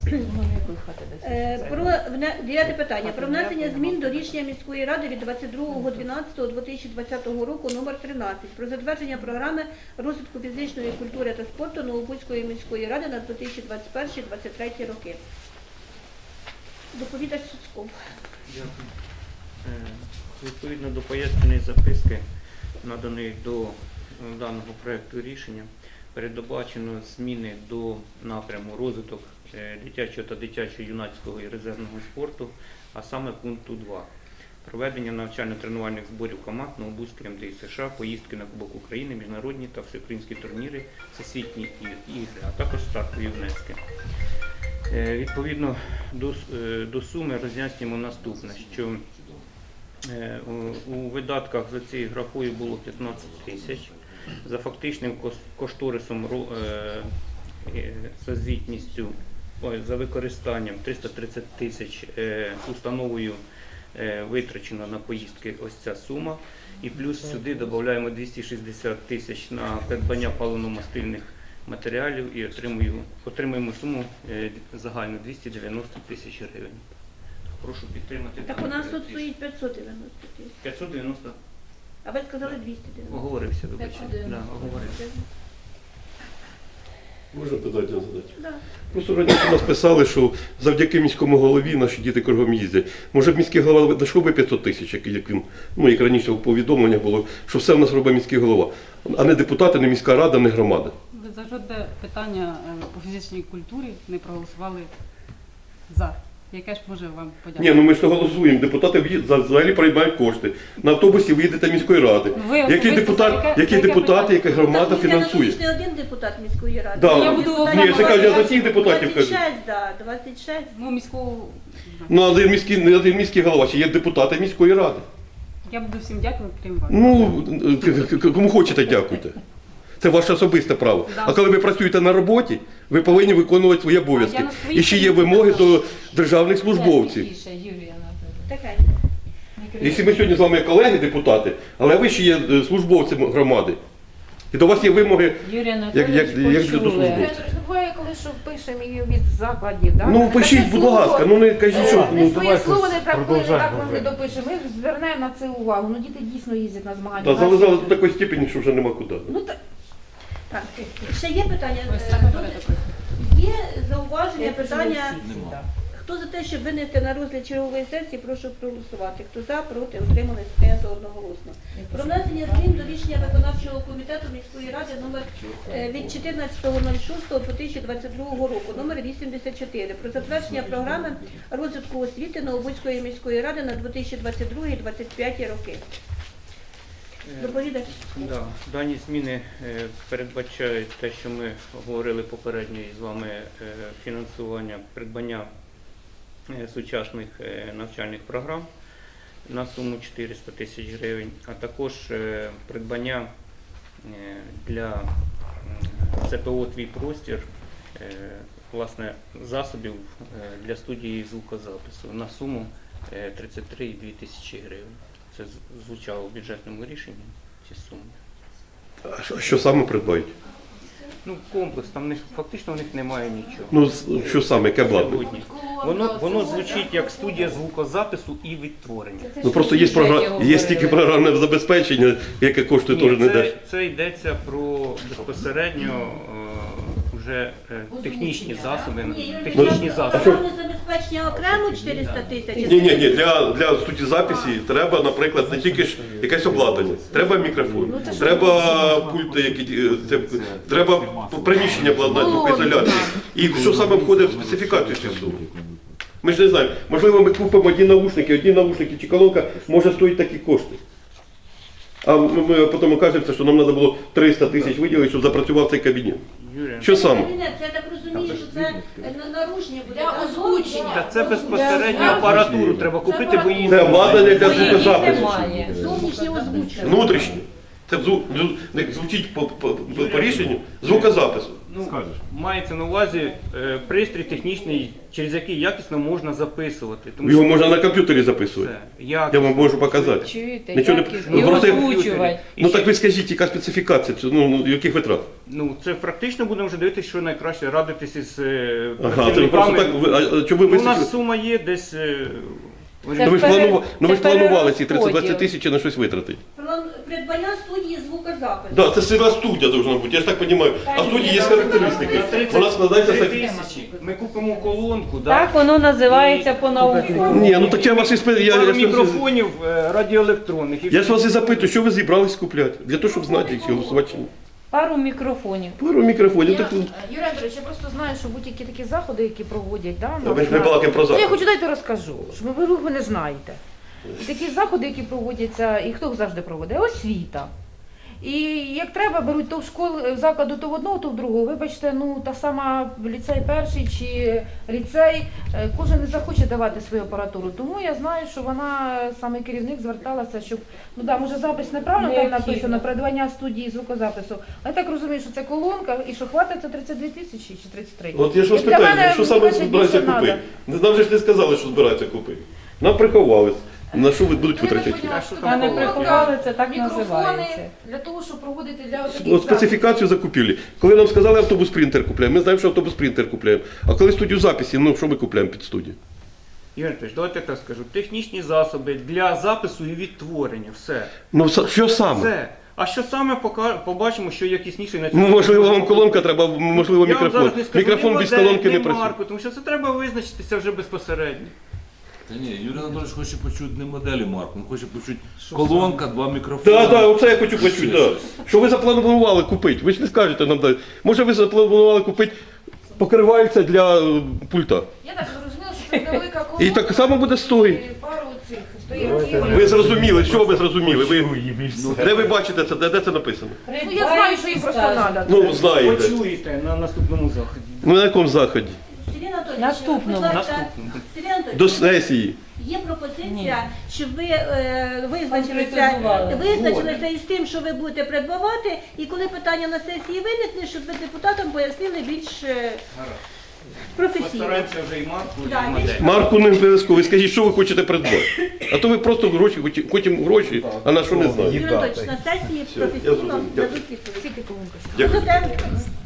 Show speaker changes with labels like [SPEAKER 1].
[SPEAKER 1] Дев'яте питання. Про внесення змін до рішення міської ради від 22.12.2020 року номер 13 про затвердження програми розвитку фізичної культури та спорту Новобузької міської ради на 2021-2023 роки. Доповідач Суцьков.
[SPEAKER 2] Дякую. Відповідно до поясненої записки, наданої до даного проєкту рішення, передбачено зміни до напряму розвиток дитячого та дитячо-юнацького і резервного спорту, а саме пункту 2. Проведення навчально-тренувальних зборів команд Новобузької МДІ США, поїздки на Кубок України, міжнародні та всеукраїнські турніри, всесвітні ігри, а також стартові внески. Відповідно до суми роз'яснюємо наступне, що у видатках за цією графою було 15 тисяч, за фактичним кошторисом за звітністю, за використанням 330 тисяч установою витрачено на поїздки ось ця сума, і плюс сюди додаємо 260 тисяч на придбання паливно-мастильних матеріалів і отримуємо суму загальну 290 тисяч гривень. Прошу підтримати.
[SPEAKER 1] Так у нас тут стоїть 590 тисяч.
[SPEAKER 2] 590.
[SPEAKER 1] А ви сказали 290.
[SPEAKER 2] Оговорився, вибачте. Да, оговорився.
[SPEAKER 3] Можна питання задати?
[SPEAKER 1] Да.
[SPEAKER 3] Просто раніше нас писали, що завдяки міському голові наші діти кругом їздять. Може б міський голова знайшов би 500 тисяч, як він, як раніше в повідомленнях було, що все в нас робить міський голова, а не депутати, не міська рада, не громада.
[SPEAKER 4] Ви за жодне питання по фізичній культурі не проголосували за. Яке ж може вам подякувати?
[SPEAKER 3] Ні, ми ж то голосуємо. Депутати взагалі приймають кошти. На автобусі ви їдете міської ради. Який депутат, яка громада фінансує?
[SPEAKER 1] Так, не один депутат міської ради.
[SPEAKER 3] Да.
[SPEAKER 4] Я буду-
[SPEAKER 3] Ні, я кажу, я за всіх депутатів кажу.
[SPEAKER 1] 26, да, 26.
[SPEAKER 4] Ну, міського...
[SPEAKER 3] Ну, не один міський голова, ще є депутати міської ради.
[SPEAKER 4] Я буду всім дякувати, крім вас.
[SPEAKER 3] Ну, кому хочете, дякуйте. Це ваше особисте право.
[SPEAKER 4] Да.
[SPEAKER 3] А коли ви працюєте на роботі, ви повинні виконувати свої обов'язки.
[SPEAKER 4] А я на своїй
[SPEAKER 3] І ще є вимоги до державних службовців.
[SPEAKER 1] Таке.
[SPEAKER 3] Якщо ми сьогодні з вами колеги, депутати, але ви ще є службовцем громади. І до вас є вимоги,
[SPEAKER 5] Юрій
[SPEAKER 3] як
[SPEAKER 5] Анатолійович,
[SPEAKER 3] до
[SPEAKER 5] почули.
[SPEAKER 3] службовців.
[SPEAKER 5] Буває, коли що пишемо і від закладів, так?
[SPEAKER 3] Ну, пишіть, будь ласка, ну не кажіть, що...
[SPEAKER 5] Не своє слово не трактує, так ми не допишемо. Ми звернемо на це увагу. Ну, діти дійсно їздять на змагання.
[SPEAKER 3] Та залежало до такої степені, що вже нема куди.
[SPEAKER 5] Ну, так.
[SPEAKER 1] Так, ще є питання?
[SPEAKER 4] Ось саме передаписую.
[SPEAKER 1] Є зауваження, питання? Хто за те, щоб винести на розгляд чергової сесії, прошу проголосувати. Хто за, проти, утримались, прийнято одноголосно. Про внесення змін до рішення виконавчого комітету міської ради номер від 14.06.2022 року, номер 84, про затвердження програми розвитку освіти Новобузької міської ради на 2022-2025 роки. Доповідач.
[SPEAKER 2] Да. Дані зміни передбачають те, що ми говорили попередньо з вами, фінансування придбання сучасних навчальних програм на суму 400 тисяч гривень, а також придбання для ЦПО «Твій простір» власне, засобів для студії звукозапису на суму 33,2 тисячі гривень. Це звучало в бюджетному рішенні, ці суми.
[SPEAKER 3] А що саме придбають?
[SPEAKER 2] Ну, комплекс, там фактично в них немає нічого.
[SPEAKER 3] Ну, що саме, яке обладнання?
[SPEAKER 2] Воно звучить як студія звукозапису і відтворення.
[SPEAKER 3] Ну просто є стільки програмне забезпечення, яке коштує теж не дешево.
[SPEAKER 2] Це йдеться про безпосередньо вже технічні засоби.
[SPEAKER 1] Програмне забезпечення окремо 400 тисяч?
[SPEAKER 3] Ні, для студії записі треба, наприклад, не тільки ж якесь обладнання. Треба мікрофон, треба пульти, треба приміщення обладнання, звукоізоляції. І що саме входить в специфікацію цієї суми? Ми ж не знаємо. Можливо, ми купимо одні наушники чи колонка може стоїть такі кошти. А ми потім окажемося, що нам треба було 300 тисяч виділити, щоб запрацював цей кабінет. Що саме?
[SPEAKER 1] Це, я так розумію, що це нарушення буде.
[SPEAKER 5] Для озвучення.
[SPEAKER 2] Це безпосередньо апаратуру треба купити, бо її
[SPEAKER 3] Це обладнання для звукозапису.
[SPEAKER 1] Зовнішнє озвучення.
[SPEAKER 3] Внутрішнє. Це звучить по рішенню звукозапису.
[SPEAKER 2] Ну,
[SPEAKER 6] Скажеш.
[SPEAKER 2] мається на увазі пристрій технічний, через який якісно можна записувати. Тому
[SPEAKER 3] Його
[SPEAKER 2] що
[SPEAKER 3] можна на комп'ютері записувати.
[SPEAKER 2] це
[SPEAKER 3] Я вам можу показати.
[SPEAKER 5] Чуєте,
[SPEAKER 3] Нічого не-
[SPEAKER 5] якість,
[SPEAKER 3] ну,
[SPEAKER 5] і
[SPEAKER 3] просто-
[SPEAKER 5] озвучувати.
[SPEAKER 2] І
[SPEAKER 3] Ну
[SPEAKER 2] ще-
[SPEAKER 3] так ви скажіть, яка специфікація, ну яких витрат?
[SPEAKER 2] Ну, це практично будемо вже дивитися, що найкраще радитися із
[SPEAKER 3] Ага, це ви просто так, а чому ви
[SPEAKER 2] Ну, у нас
[SPEAKER 3] висвітлили?
[SPEAKER 2] сума є десь...
[SPEAKER 5] Це
[SPEAKER 3] Ну ви ж
[SPEAKER 5] пере-
[SPEAKER 3] планували, ну ви ж
[SPEAKER 5] це
[SPEAKER 3] планували ці
[SPEAKER 5] перерозподіл.
[SPEAKER 3] 30-20 тисяч на щось витратити.
[SPEAKER 1] Придбання студії звукозапису.
[SPEAKER 3] Так, це ціла студія должна бути, я ж так розумію. А в студії є характеристики. Вона складається з
[SPEAKER 2] 3
[SPEAKER 3] таких.
[SPEAKER 2] тисячі. Ми купимо колонку,
[SPEAKER 4] Так воно називається по-науковому.
[SPEAKER 3] Ні, ну так я вас і
[SPEAKER 2] пару мікрофонів радіоелектронних.
[SPEAKER 3] Я ж вас і запитую, що ви зібрались купляти? Для того, щоб знати, чи голосувати чи ні.
[SPEAKER 4] Пару мікрофонів.
[SPEAKER 3] Пару мікрофонів.
[SPEAKER 5] Я,
[SPEAKER 3] Так,
[SPEAKER 5] Юрій Анатолійович, я просто знаю, що будь-які такі заходи, які проводять, да,
[SPEAKER 3] ми ж не балакаємо про
[SPEAKER 5] Ну, я
[SPEAKER 3] захід.
[SPEAKER 5] хочу дайте розкажу, що ви не знаєте. І такі заходи, які проводяться, і хто їх завжди проводить? Освіта. І як треба, беруть то в школу, в закладу то в одного, то в другого. Вибачте, ну та сама ліцей перший чи ліцей, кожен не захоче давати свою апаратуру. Тому я знаю, що вона, саме керівник, зверталася, щоб, ну да, може запис неправильно там
[SPEAKER 4] Необхідно.
[SPEAKER 5] написано, придбання студії звукозапису. Але я так розумію, що це колонка, і що хватить це 32 тисячі чи 33.
[SPEAKER 3] От я ж вас
[SPEAKER 5] Як для
[SPEAKER 3] питаю,
[SPEAKER 5] мене,
[SPEAKER 3] що саме
[SPEAKER 5] більше
[SPEAKER 3] збираються
[SPEAKER 5] надо.
[SPEAKER 3] купити? Нам же ж не сказали, що збираються купити. Нам приховали. На що ви будуть витрачати?
[SPEAKER 2] А що
[SPEAKER 4] Та
[SPEAKER 2] там
[SPEAKER 4] не
[SPEAKER 2] колонка?
[SPEAKER 4] приховали, це так
[SPEAKER 5] Мікрофони
[SPEAKER 4] називається.
[SPEAKER 5] для того, щоб проводити для таких
[SPEAKER 3] От
[SPEAKER 5] заходів.
[SPEAKER 3] специфікацію закупівлі. Коли нам сказали автобус принтер купляємо, ми знаємо, що автобус принтер купляємо. А коли студію записі, ну що ми купляємо під студію?
[SPEAKER 2] Ігор Анатолійович, давайте я так скажу. Технічні засоби для запису і відтворення. Все.
[SPEAKER 3] Ну що саме?
[SPEAKER 2] Все. А що саме побачимо, що якісніше на
[SPEAKER 3] Ну, можливо, вам колонка треба, можливо,
[SPEAKER 2] Я вам
[SPEAKER 3] мікрофон.
[SPEAKER 2] зараз не скажу,
[SPEAKER 3] Мікрофон
[SPEAKER 2] ні
[SPEAKER 3] без
[SPEAKER 2] модель,
[SPEAKER 3] колонки
[SPEAKER 2] ні
[SPEAKER 3] не працює.
[SPEAKER 2] марку, тому що це треба визначитися вже безпосередньо.
[SPEAKER 6] Та ні, Юрій Анатолійович хоче почути не моделі марку, він хоче почути колонка, 2 мікрофони.
[SPEAKER 3] Так, так, оце я хочу почути. Да. Що ви запланували купити? Ви ж не скажете нам далі. Може ви запланували купити покривальця для пульта?
[SPEAKER 5] Я так зрозуміла, що це невелика колонка.
[SPEAKER 3] І так само буде стоїти.
[SPEAKER 5] і пару цих стояків.
[SPEAKER 3] Ви зрозуміли, що ви зрозуміли? Де ви бачите це? Де це написано?
[SPEAKER 5] Ну я знаю, що їм просто треба.
[SPEAKER 3] Ну, знаєте.
[SPEAKER 2] Почуєте на наступному заході.
[SPEAKER 3] Ну на якому заході?
[SPEAKER 1] Сергій Анатолійович,
[SPEAKER 4] Наступному.
[SPEAKER 1] будь ласка,
[SPEAKER 2] Наступному.
[SPEAKER 1] Сергій Анатолійович,
[SPEAKER 3] До сесії.
[SPEAKER 1] є пропозиція,
[SPEAKER 4] Ні.
[SPEAKER 1] щоб ви визначилися
[SPEAKER 4] Конкретизували.
[SPEAKER 1] із тим, що ви будете придбавати, і коли питання на сесії виникне, щоб ви депутатам пояснили більш професійно.
[SPEAKER 2] Постараємося вже і марку,
[SPEAKER 1] Да,
[SPEAKER 2] і модель.
[SPEAKER 3] Марку не обов'язково. Ви скажіть, що ви хочете придбати. А то ви просто гроші, хочемо гроші, а на що не знаєте.
[SPEAKER 1] Юрій Анатолійович, на сесії
[SPEAKER 3] я
[SPEAKER 1] професійно
[SPEAKER 3] зрозумів. Дякую.
[SPEAKER 1] дадуть відповідь.
[SPEAKER 5] Скільки колонка?
[SPEAKER 3] Дякую.
[SPEAKER 1] Будете?